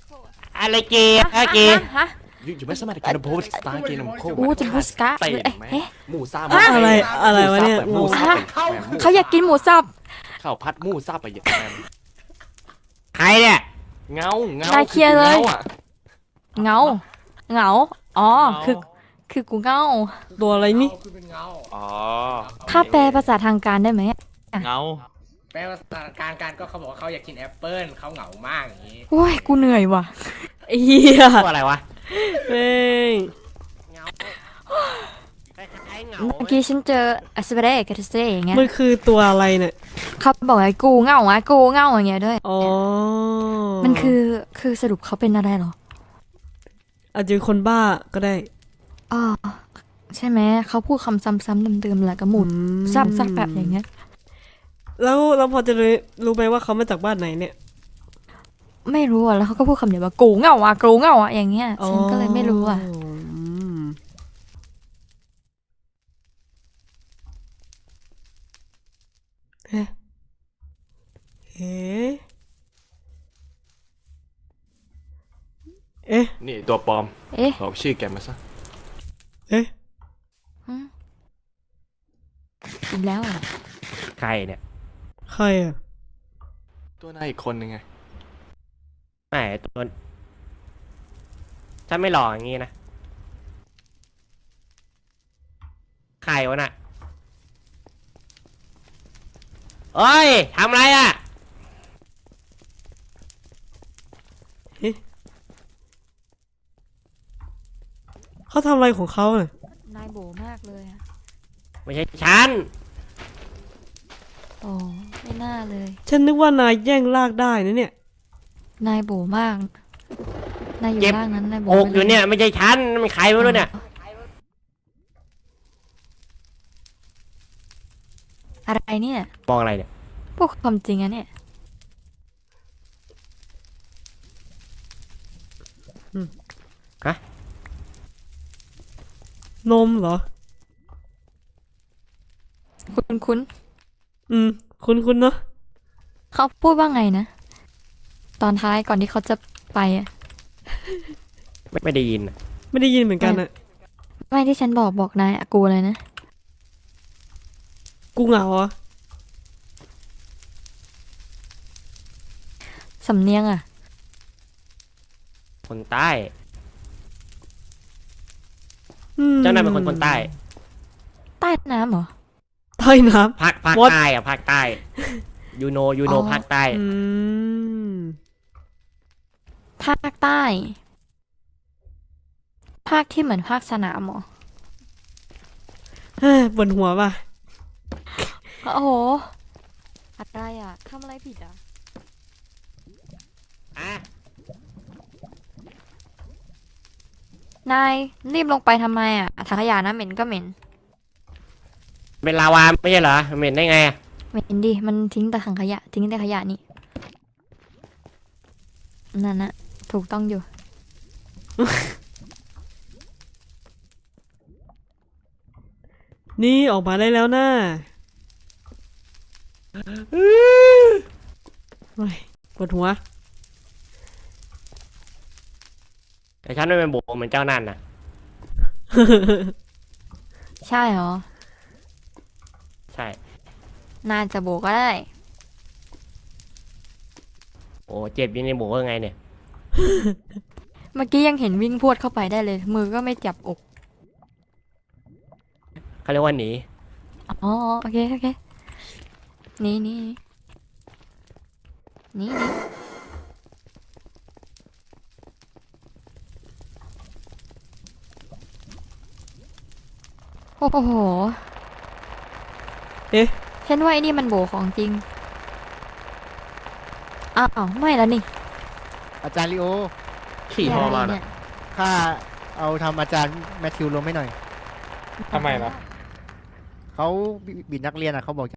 อะไรเกย์อะเกย์ฮะอยู่ไม่สามารถการโพสต์ตาเกนมโคอู้จะบูสกะเตะเอ๊ะแม่เอ๊ะหมูซ่าอะไรวะเนี่ยหมูซ่าเขาอยากกินหมูสับข้าวผัดหมูซ่าไปอย่างแม่ใครเนี่ยเงาได้เคลียร์เลยเงาอะเหงาอ๋อคือกูเหงาตัวอะไรนี่คือเป็นเงาอ๋อถ้าแปลภาษาทางการได้ไหมเงาแปลว่าสถานการณ์ก็เขาบอกว่าเขาอยากกินแอปเปิ้ลเขาเหงามากอย่างนี้โอ้ยกูเหนื่อยว่ะไอ้เหี้ยตัวอะไรวะแม่งเงาคล้ายๆเงาเมื่อกี้ฉันเจออัสเปเรกาเทเซอย่างเงี้ยมันคือตัวอะไรเนี่ยเขาบอกว่ากูเหงาอ่ะกูเหงาอย่างเงี้ยด้วยอ๋อมันคือสรุปเขาเป็นอะไรเหรออาจจะเป็นคนบ้าก็ได้อ๋อใช่ไหมเขาพูดคำซ้ำๆเดิมๆแหละกระหมุดซับแบบอย่างเงี้ยแล้วเราพอจะรู้ไหมว่าเขามาจากบ้านไหนเนี่ยไม่รู้อ่ะแล้วเขาก็พูดคำเดียวว่ากูเหงาอ่ะกูเหงาอ่ะอย่างเงี้ยฉันก็เลยไม่รู้อ่ะมเอ๊ะเอ๊ะเอ๊ะนี่ตัวปลอมเอ๊ะบอกชื่อแกมาซะเอ๊ะอีกแล้วเหรอใครเนี่ยใครอ่ะตัวนายอีกคนนึงไงไม่ตัวฉันไม่หล่ออย่างงี้นะใครวะน่ะเอ้ยทำอะไรอ่ะเขาทำอะไรของเขาเนี่ยนายโบมากเลยอ่ะไม่ใช่ฉันโอ้ไม่น่าเลยฉันนึกว่านายแย่งลากได้นะเนี่ยนายโบมากนายอยู่เจ็บร่างนั้นนายโบอกอยู่เนี่ยไม่ใช่ฉันมันใครไม่รู้เนี่ยอะไรเนี่ยมองอะไรเนี่ยพวกความจริงอะเนี่ยนมเหรอคุณคุณเนาะเขาพูดว่าไงนะ ตอนท้ายก่อนที่เขาจะไปอะไม่ได้ยินอะไม่ได้ยินเหมือนกันอ่ะไม่ที่ฉันบอกนายอะกูเลยนะกูเหงาอ่ะสำเนียงอะคนใต้เจ้านายเป็นคนใต้ใต้น้ำเหรอใต้น้ภาค What? ใต้อะภาคใต้ยูโนอ๋อภาคใต้ำภาคใต้ ภาคที่เหมือนภาคสนามเหรอเฮ้ยปวดหัวป่ะโอ้โหอะไรอะทำอะไรผิดอะอ่ะนายรีบลงไปทำไมอะถังขยะนะเหม็นก็เหม็นเป็นลาวาไม่ใช่เหรอเหม็นได้ไงอะเหม็นดิมันทิ้งแต่ถังขยะทิ้งแต่ขยะนี่นั่นนะถูกต้องอยู่นี่ออกมาได้แล้วนะโอ้ยปวดหัวแต่ฉันไม่เป็นโบเหมือนเจ้านั่นนะใช่เหรอใช่น่าจะโบก็ได้โอ้เจ็บอยินในโบยังไงเนี่ยเมื่อกี้ยังเห็นวิ่งพรวดเข้าไปได้เลย มือก็ไม่จับอกเขาเรียกว่าหนีอ๋อโอเคนี่โอ้โหเอ๊ะฉันว่าไอ้นี่มันโบของจริงอ้าวไม่แล้วนี่อาจารย์ลิโอขี่ฮอมาเนี่น่ะยข้าเอาทำอาจารย์แมทธิวลงให้หน่อยทำไมล่ะเขาบิดนักเรียนอ่ะเขาบอก